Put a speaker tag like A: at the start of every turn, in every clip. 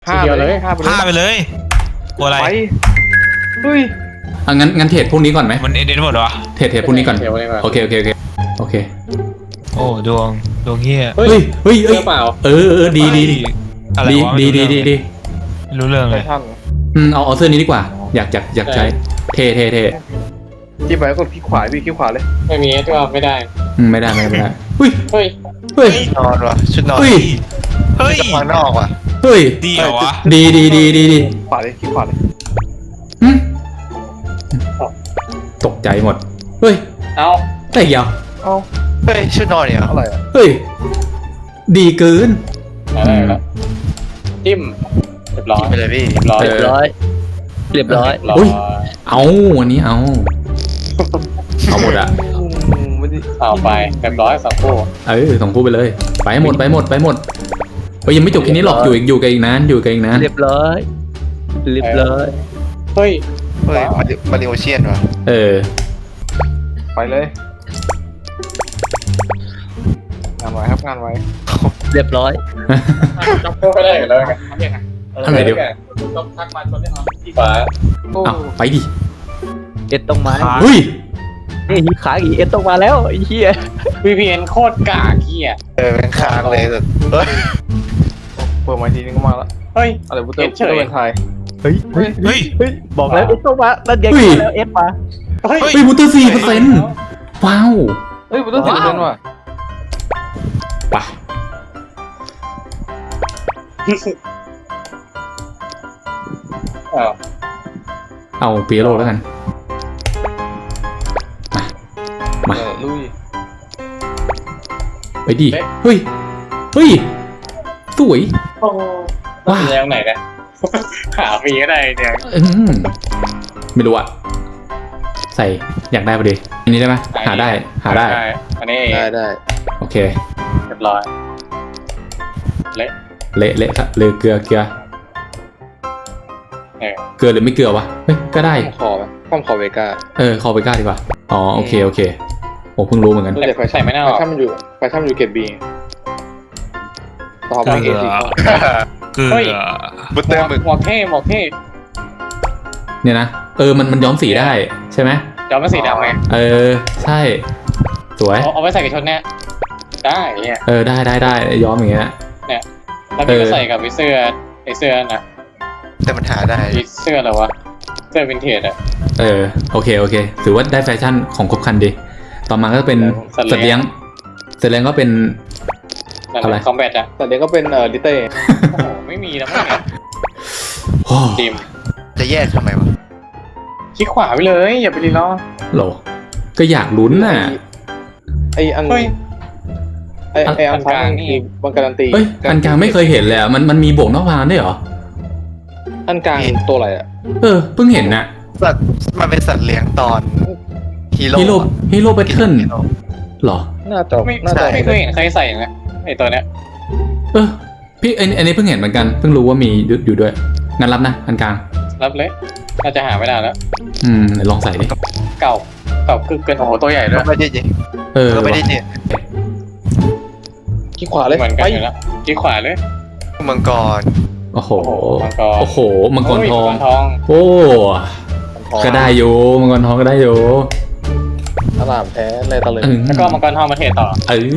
A: ห้าไปเลย
B: ฆ่าไปเลยกลัวอะไร
A: ไปเฮ้ย
C: งั้นเทรดพวกนี้ก่อนไหม
B: มันเอ็นหมดเหรอ
C: เทรดพวกนี้ก่อน
A: เดี๋ยวไว้ก่อน
C: โอเคโอเค
B: โอ้ดวงเฮีย
C: เฮ้ย
A: เจอเปล่า
C: ดี
B: อะไรวะ
C: ดี
B: ไม่รู้เรื่อง
A: ไท
B: เลย
A: ทัน
C: เอาเสื้อนี้ดีกว่า อยากใช้เท่
A: ที่ไปกดคลิกขวาพี่คลิกขวาเลย
D: ไม่มีที่ว่าไม่ได้
C: ไม่ได้เฮ้ย
D: เฮ้ย
E: นอนวะชุดนอน
C: เฮ้ย
B: เฮ้ย
E: ข้างนอกวะ
C: เฮ้ย
B: ดีเหรอวะ
C: ดี
A: ขวาเลยคลิกขวาเลย
C: หึตกใจหมดเฮ้ย
D: เอา
C: แต่ยาว
A: เอ้า
E: เฮ้ยชุดนอนเนี่ย
A: อะไรอ่ะ
C: เฮ้ยดีเกิน
D: อะไรละจิ้มเรียบร้อย
E: ไปเลยพี่
D: เรียบร้อย
C: เรียบร้อย
D: เรียบร้อย
C: อุ๊ย เอาอันนี้เอาหมดอะ
A: ไม่ได้
D: เอาไปเรียบร้อยสองคู่
C: ส่งคู่ไปเลย ไปหมดเฮ้ยยังไม่จบแค่นี้หรอกอยู่กันอีกนาน
F: เรียบร้อยเรียบร้อย
D: เฮ้ย
E: เฮ้ยมาริโอเชียนวะ
A: ไปเลยงานไว้ครับงานไว้
F: เรียบร้อย
D: จับคู่ไม่ได้เลยกันทำยังไง
C: อะไรเดี๋ยว
D: ต้องทักมาชนได้ไหมที่ขวา
A: โอ้
C: เอาไปดิ
F: เอ็ดต้องมา
C: เฮ้ย
F: นี่ขาอีเอ็ดต้องมาแล้วไอ้เหี้ย
D: VPN โคตรกากเหี้ย
E: เป็นค้างเลยแบบเฮ้ย
A: เปิดมาทีนึงก็มาแล้ว
D: เฮ้ย
A: อะไรบุตเตอร์
D: เฉย
A: เป็นไทย
F: เฮ้ย
B: เฮ้ย
F: บอกแล้วเอ็ดต้องมานั่นไง
C: เฮ้ย
F: แล้วเอ็ดมา
D: เฮ้ย
C: เฮ้ยมูเตอร์4%ว้าว
A: เฮ้ยบุตเตอร์10%ว่ะ
C: ไป
D: เอา
C: เอาปีโรแล้วกัน มา
A: ลุย
C: ไปดิเฮ้ยสวย
D: โอ้ว่าแรงไหนกันหาฟรีก็ได้เนี่ย
C: ไม่รู้อะใส่อยากได้พอดีอันนี้ได้ไหมหาได้
D: อันนี้
A: ได้
C: โอเค
D: เรียบร้อยเละ
C: เละครับเลยเกลือ
D: เออ
C: เกลือหรือไม่เกลือวะเฮ้ยก็ได้
A: ข้อมคอเวก้า
C: คอไปก้าดีกว่าอ๋อโอเคโอ้เพิ่งรู้เหมือนกัน
A: แต่ไฟ
D: ใส่ไม่ได้ห
A: ไฟ
D: รอก
A: ชั่นมันอยู่เกตบีต่อ
B: เก
A: ไป
B: ลื
A: เอ
B: อ
A: ซี
B: เกลือ
E: บุตเตอร์มึก
D: หมวกเท่
C: เนี่ยนะมันย้อมสีได้ใช่ไหม
D: จอมันสีดำไง
C: ใช่สวย
D: เอาไปใส่กับชุดเนี้ยได้เนี่ย
C: ได้ย้อมอย่างเงี้ย
D: แล้วพี่ก็ใส่กับเสื้อไอเสื้อนะ
E: แต่มันหาได้
D: เสื้ออะไรวะเสื้อวินเทจอะ
C: โอเคถือว่าได้แฟชั่นของครบครันดีต่อมาก็เป็นสัตว์เลี้ยงก็เป็น อะไร
D: คอมแบทอะ
A: แต่เดี๋ยวก็เป็นลิเต้
D: โอ้โหไม่มีแล้วมั้งเนี่ย
C: โอ้
D: จิม
E: จะแยกทำไมวะ
D: คลิกขวาไปเลยอย่าไปรีล้อ
C: โหลก็อยากลุ้นน่ะ
A: ไออัน
D: เฮ้ย
A: ไออันกลางนี่บังการันตี
C: เอ้ยอันกลางไม่เคยเห็นเลยอ่ะมันมีบวกนอกพานด้วยเหรอ
A: อันกลางตัวอะไรอ่ะ
C: เพิ่งเห็นน่ะ
E: สัตว์มันเป็นสัตว์เลี้ยงตอนฮีโร่
C: ฮีโร่แบทเทิลหรอ
A: น่าจะ
D: ไม่
A: น่าจะ
D: ไม่เคยเห็นใครใส่นะไอตัวเนี้ย
C: พี่อันนี้เพิ่งเห็นเหมือนกันเพิ่งรู้ว่ามีอยู่ด้วยงั้นรับนะอันกลาง
D: รับเลยน่าจะหาไม่ได้แล้ว
C: ไหนลองใส่ดิ
D: เก่าคือเกินโอ้โหตัวใหญ่ด้ว
E: ก็
D: ย
E: ไม่ได้เจก็ไม่ได้เจ
A: ขี้ขวาเลย
D: เหมือนกันอยู่แล้วคลิกขวาเลย
E: มังกร
C: โอ้โห
D: มังกร
C: โอ้โหมังกรทอง
D: มังกรทอง
C: โอ้ก็ได้อยู่มังกรทองก็ได้อยู่
A: อลามแท้ในตะลึง
D: แล้วก็มังกรทองมาเทต่อ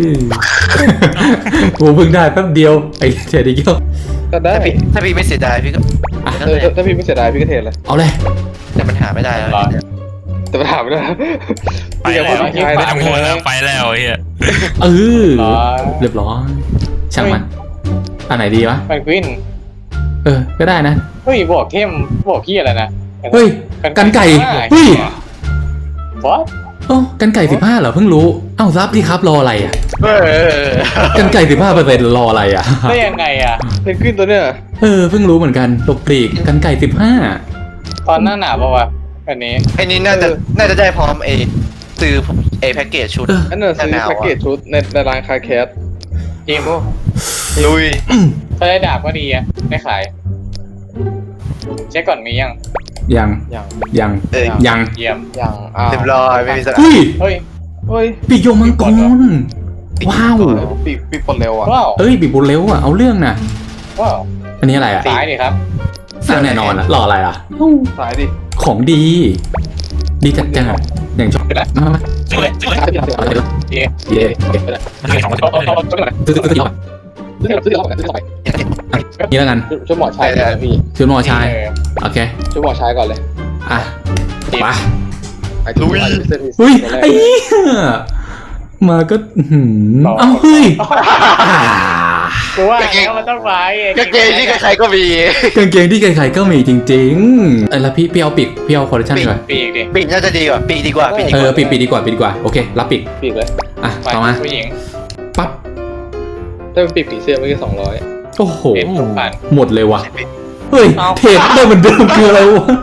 C: กูเพิ่งได้แป๊บเดียวไอ้เทดิเกียว
A: ก็ได้
E: ถ้าพี่ไม่เสียดายพี่ก็
A: ถ้าพี่ไม่เสียดายพี่ก็เทเลย
C: เอาเลย
E: แต่มันหาไม่ได้แล้ว
A: แต่ปัญหาไม่ได้
B: ไปแล้วไม่ต้องโวยแล้วไปแล้วเฮีย
C: เรียบร้อยช่างมันอันไหนดีวะ
D: มันกวิน
C: ก็ได้นะ
D: เฮ้ยบวกเข้มบวกขี้อะไรนะ
C: เฮ้ยกันไก่เฮ้ย
D: วอท
C: กันไก่15เหรอเพิ่งรู้เอ้ารับดิครับรออะไรอ่ะกันไก่15%รออะไรอ่ะ
D: ได้ยังไงอะ
A: เพนกวินตัวเนี้ย
C: เพิ่งรู้เหมือนกันตกปลีกกันไก่
D: ตอนหน้าหนาวปะวะอันนี้
E: ไอ้นี่น่าจะได้พร้อมซื้อแพ็กเกจชุด
A: อันนั้นซื้อแพ็กเกจชุดในร้านคาแคส
D: จิม
E: ลุย
D: ถ้าได้ดาบก็ดีอะได้ขายเช็คก่อนมียัง
C: 15ยัง
D: เยี่ยม
A: อย่าง
E: เรียบร้อยไม่มีสัก
C: เฮ้ย
D: เฮ้ย
A: เฮ้ย
C: ปีกโยมังกรว้าว
A: ปีปลดเร็วอ่ะ
D: ว้าว
C: ปีกบุญเร็วอ่ะเอาเรื่องน่ะ
D: ว้าว
C: อันนี้อะไรอ่ะ
D: ซ้ายดิครับ
C: สั่งแน่นอนอ่ะรออะไรอ่ะ
A: สายดิ
C: ของดี ดีจัดจ้านอย่างชอบมา
B: ซื้อเลยซื้อเลย
C: เย่
B: มันให้สองคน
C: ซื้อที่ก่อน
A: ซื้อที่เราซื้อไป
C: นี่แล้วกัน
A: ช่วยหมอชายนะพี่
C: ชุดหมอชายโอเค
A: ช่วยหมอชายก่อนเลย
C: อ่ะไป
A: ลุย
C: อุ้ยไอ้เหี้ยมาก็เอ้าเฮ้ย
D: กูว่าแล้วมันต้องไป
E: กางเกงที่ใครๆก็มี
C: กางเกงที่ใครๆก็มีจริงๆแล้วพี่เอาปีกพี่เอาคอลเลคชันดีกว่า
D: ปีกดิ
E: ปีกน่าจะดีกว่าปีกดีกว่าปีกดีกว่า
C: ปีกดีกว่าโอเครับปีก
A: ปีกเลย
C: อ่ะ
D: ไป
C: ต่อมา
D: ผู้หญิง
C: ปั๊บ
A: ถ้าเป็นปีกผีเสื้อไม่แค่200
C: โอ้โห
D: เอ็มทุกผ่าน
C: หมดเลยว่ะเฮ้ยเทรดได้เหมือนเดิมคืออะไรวะ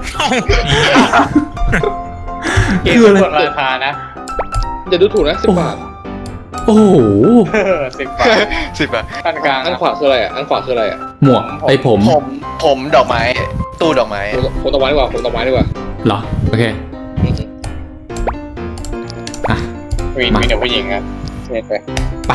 D: เกม
C: คืออะไร
D: กดราคานะ
A: อย่าดูถูกนะ10 บาท
C: โอ้โห
D: 10 บาท
E: 10 บาท
D: ขั้นกลาง
A: อันขวาคืออะไรอ่ะอันขวาคืออะไรอ่ะ
C: หมวกไอ้ผม
E: ผมดอกไม้ตู้ดอกไม้
A: ผมต้นไม้ดีกว่าผมต้นไม้ดีกว่า
C: เหรอโอเคอ่ะ
D: มีแต่ผู้หญิงครับเน็ตไป
C: ไป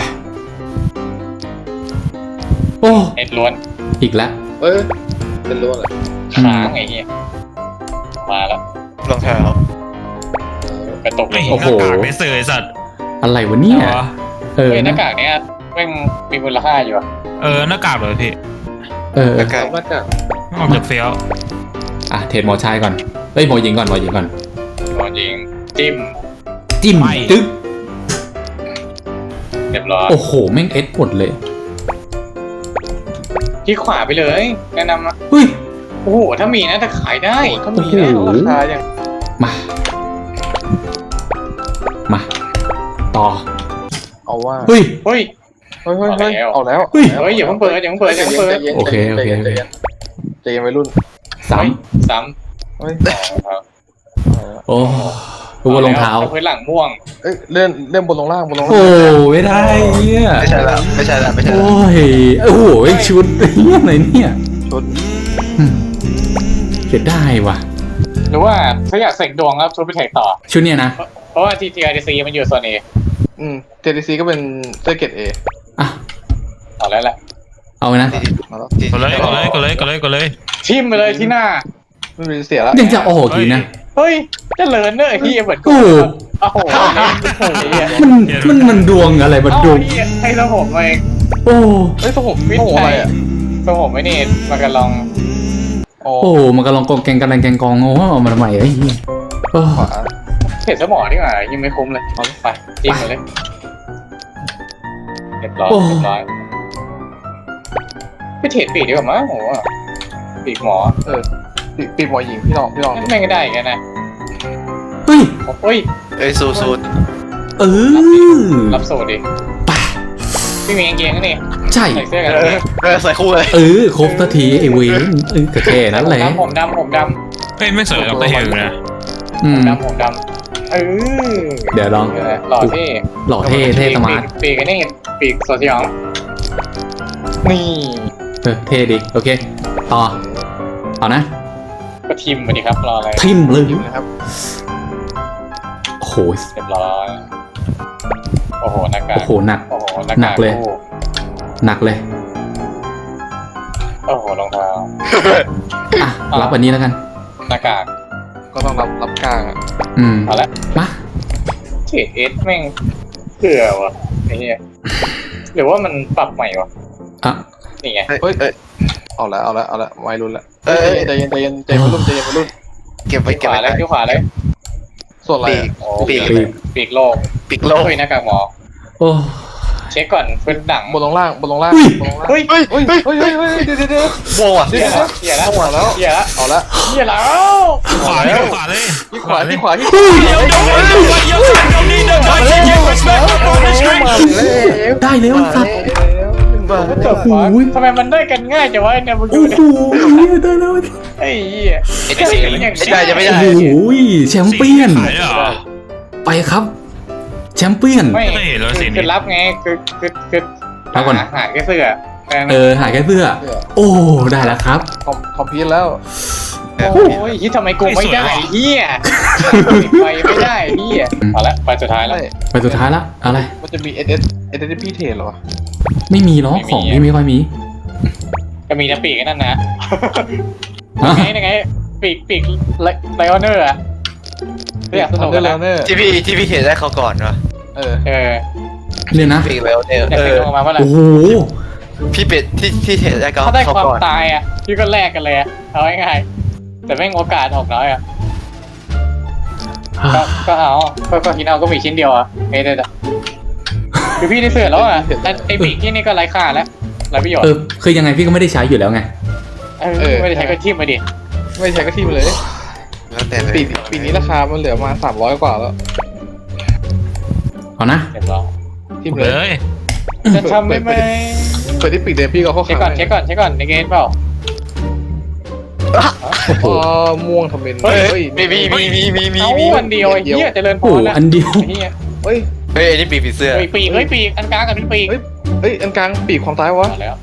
C: โอ้
D: เน็ตล้วน
C: อีกแล้ว
A: เอ้ยเป็นล้วนเหรอ
D: ค้างไอ้เหี้ยมาแล้ว
E: รองเท้าก
D: ระตุกเลย
C: โอ้โห
B: หน้ากากไม่ซื้อไอ้สัตว์
C: อะไรวะเนี่ยเออ
D: เฮ้ยหน้ากากเนี้ยแม่งมีมูลค่าอยู่อะ
B: หน้ากากเลยพี่
C: เออ
E: แล้วก็
A: มาจาก
B: ออกจากเฟี้ยว
C: อ่ะเทรดหมอชายก่อนเอ้ยหมอหญิงก่อน
D: โดนยิงจิ้ม
C: จิ้มตึ๊ก
D: เรียบร้อย
C: โอ้โหแม่งเอสหมดเลย
D: ที่ขวาไปเลยแนะนำนะ
C: เฮ้ย
D: โอ้โหถ้ามีนะจะขายได้
A: ถ้ามีนะ
C: โอ้โห
A: ราคาอย่าง
C: มาต่อ
A: เอาว่า
C: เฮ้ย
D: เฮ้ย
A: เฮ้ยเอาแล้ว
C: เฮ้ย
D: เฮ้ยอย่าเพิ่งเปิดอย่าเพิ่งเปิดอย่าเพิ่งเปิด
C: โอเคโอเค
A: ใจเย็นวัยรุ่น
C: สาม
D: ซ้
A: เฮ้ย
D: ำ
C: โอ้รู้ว่ารองเท้า
D: พื้นหลังม่วง
A: เอ้ยเลื่อนบนลงล่างบนลง
C: โอ้
A: ล่าง
C: ไม่ได้เนี่ย
E: ไม่ใช่ละ
C: โอ้ยโอ้โหชุดเนี้ยอะไรเนี่ย
A: ชุด
C: เสียดายว่ะ
D: หรือว่าถ้าอยากเสกดวงแล้วชุดไปแท็กต่อ
C: ชุดเนี้ยนะ
D: เพราะว่า TTRDC มันอยู่โซน A
A: JDC ก็เป็นเสื้อเกรด A
C: อ่ะ
D: เอาแล้วแหละ
C: เอาไว้นะ
A: มาแล้ว
B: กดเลย
D: ทิมไปเลยที่หน้า
A: ไม่มีเสียแล้ว
C: ยังจะออกอีกนะ
D: เฮ้ยเจะเลินเนอะไอ้ที่เหมือนกู
C: โอ้
D: โอ้โหเนี่ย
C: มันดวงอะไรมัน
D: เอา
C: ดวง
D: ที่ให้เราผมเอง
C: โอ้
A: เฮ้ยตัวผม
D: วิท
A: ตัว
D: ย์
A: ผม
D: ไท
A: อะไร
D: ย
A: อ่ะ
D: ตัวผมไม่นี่มันกันลอง
A: โอ้
C: โอ้มันกำลังกองแกงกันแกงกองโอ้เอามาทำไมไอ้เหี้ยโอ้
A: ขวา
D: เห็นสมองดีกว่ายังไม่คุ้มเลยเอาไปจิ้มมาเลยเรียบร้อยไปเทรดปีกดีกว่ามั้งโอ้โหปีกหมอ
A: ปีหมอหญิงพี่ลองดู
D: ไม่ก็ได้อีกันนะ
C: เฮ้ย
D: เฮ้ย
E: เอ้ยสูตร
C: เออ
D: รับสูตรดิพี่มีกางเกงก็นี่
C: ใช่
D: ใส่เสื้อกัน
E: ใส่คู่เลย
C: ครบสักทีไอ้เวนกระเทนั่นแหละ
D: ผมดำ
B: เฮ้ยไม่สวยดร. เฮลนะ
D: ผมดำ
C: เดี๋ยวลอง
D: หล่อที่
C: หล่อเท่สมาร์ท
D: ปีกกันนี่ปีกโซเชียลนี่
C: เท่ดิโอเคต่อเอานะ
D: ก็ทิมมาดิครับรออะไร
C: ทิมเลย
A: นะครับ
C: โอ้โห
D: เรียบร้อยโอ้โหหน้ากาก
C: โอ้โหหนัก
D: โอ้โห
C: หนักเลย หนักเลย
D: โอ้โหรองเท้า
C: อ่ะรับอันนี้แล้วกัน
D: หน้ากาก
A: ก็ต้องรับกลางอ่ะ
D: เอาละ
C: มา
D: เทรดเอสแม่งเผื่อวะไอ้เหี้ยหรือว่ามันปรับใหม่วะ
C: อ่ะ
D: นี่ไง
A: เฮ้ยเอาละวัยรุ่นละใจเย็นวัยรุ่น
E: เก็บไว้
D: ขวาเลยที่ขวาเลย
A: ส่วนอะไร
D: โอ้
E: ปีก
D: ปีกโลก
E: ปีกโลก
D: เฮ้ยหน้ากากหมอ
C: โอ้
D: เช็คก่อนพื้นหนัง
A: บนลงล่าง
D: เฮ้ย
A: เฮ้ยเดี๋ยว
E: โม่อะ
D: เหี้ยแล้ว
A: หัวแล้ว
D: เหี้ยแล้ว
A: เอาละ
D: เหี้ยแล้ว
B: ขวาเลย
A: ที่ขวาที่ขวาที่
C: ได้แล้วไอ้สัตว์
D: จบวะทำไมมันได้กันง่ายจังวะเนี่ยมึงดู
C: โอ้
D: ดิ
C: โหได้แล้ว
D: ไอ้เหี้ย
E: ได้จะไม่
C: โอ้
E: ได้
C: โหแชมเปี้ยน
B: ขายเหรอ
C: ไปครับ แชมเปี้ยน
D: ไม่
B: ไม่เห็นแล้วสินี่
D: คือรับไงคือ
C: รับก่อน
D: หาแค่เสื้อ
C: หายแค่เสื้อ โอ้ ได้แล้วครับ
A: คอมพิวแล้ว
D: โอ้ยที่ทำไมกูไม่ได้เหี้ยไปไม่ได้เหี้ยเอาละไปสุดท้ายแล้ว
C: ไปสุดท้ายละอะไร
A: มันจะมี SSP เทรดเหรอ
C: ไม่มีหรอกของที่ไม่ค่อยมี
D: ก็มีนะปีกนั่นนะ
C: ฮะ
D: ยังไงปีกไลออนเนอร์อะอยากสนุกกัน
A: แล้
D: นะ
A: วเนี่ย
E: ที่พี่เห็นได้เขาก่อนวะ
A: เออ
C: เนี่ยนะ
E: ปีกแล้วเนี่ย
D: อยากสนุกมาเมื่อไหร่
C: โอ้โห
E: พี่เป็ดที่เห็นได้เขา
D: ถ้าได้ความ
E: ก่อน
D: ตายอ่ะพี่ก็แลกกันเลยอะเอาง่ายๆแต่แม่งโอกาสออกน้อยอ่ะก็เอาก็คิดเอาก็มีชิ้นเดียวอ่ะไม่ได้แต่คือพี่ได้เสือแล้วอ่ะไอปีกที่นี่ก็ไร้ค่าแล้วไร้ประโยชน์
C: คือยังไงพี่ก็ไม่ได้ใช้อยู่แล้วไง
D: ไม่ได้ใช้ก็ทิ่มมาดิ
A: ไม่ใช่ก็ทีมเลย
E: แล้วแต่เลย
A: ปีนี้ราคามันเหลือมา300 กว่าแล้ว
C: เอานะ
D: เรียบร้อย
A: ทีม
B: เล
A: เลย
B: ย
D: จะทำไหม
A: เปิดที่ปีกเดนพี่ก็เข้า
D: เช็ค
A: ขา
D: ก่อนในเกมเปล่า
A: อ๋อม่วงทำเป็น
D: เฮ้ย
E: มี
D: เอาวันเดียวไอ้เหี้ยเจริญพ
C: โอ้โห
D: รนะ
C: อันเดียว
D: ไอ้เหี้ย
A: เฮ้ย
E: เฮ้ยอันนี้ปีกผีเสื้อ
D: ปีกอันกลางกับเป็นปีก
A: เฮ้ยอันกลางปีกความตายวะ
D: มาแล้ว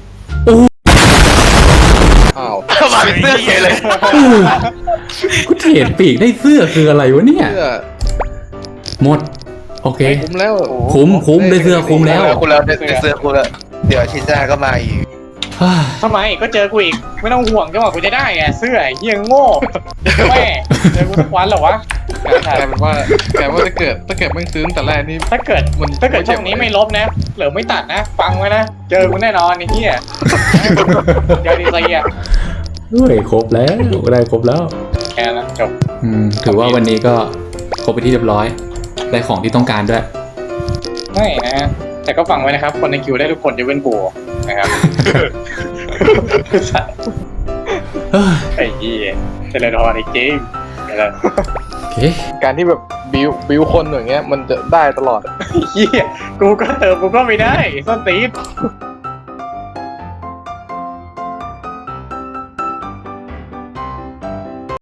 A: อ้าว
E: มาเป็นเสื้อเฉยเลย
C: กูเทรดปีกได้เสื้อคืออะไรวะเนี่ย
A: เสื้อ
C: หมด โอเค
A: คุ้มแล้ว
C: คุ้มได้เสื้อคุ้มแล้ว
E: คุณแล้วได้เสื้อคุณแล้วเดี๋ยวชิ้นหน้าก็มาอีก
D: ทำไมก็เจอกูอีกไม่ต้องห่วงจังหวะกูจะได้ไงเสื้อไอ้เหี้ยโง่แม่เจอกูทุกวันเหรอวะ
A: กลายเป็นว่าถ้าเกิดแม่งซื้อตั้งแต่แรกนี่
D: ถ้าเกิดช่องนี้ไม่ลบนะหรือไม่ตัดนะ ฟังไว้นะเจอกูแน่นอนไอ้เหี้ยเดี๋ยวดีใจอ่ะ
C: เฮ้ยครบแล้วได้ครบแล้ว
D: แค่นั้นจบ
C: ถือว่าวันนี้ก็ครบไปที่เรียบร้อย ได้ของที่ต้องการด้วย
D: ไม่นะแต่ก็ฟังไว้นะครับ คนในคิวได้ทุกคนจะเว้นกูนะครับ
C: เฮ้ย
D: ไอ้เหี้ยเจริญพรไอ้เกมอะไร
C: โอเค
A: การที่แบบบิวคนอย่างเงี้ยมันจะได้ตลอด
D: เหี้ยกูก็เติมกูก็ไม่ได้ส้นตีน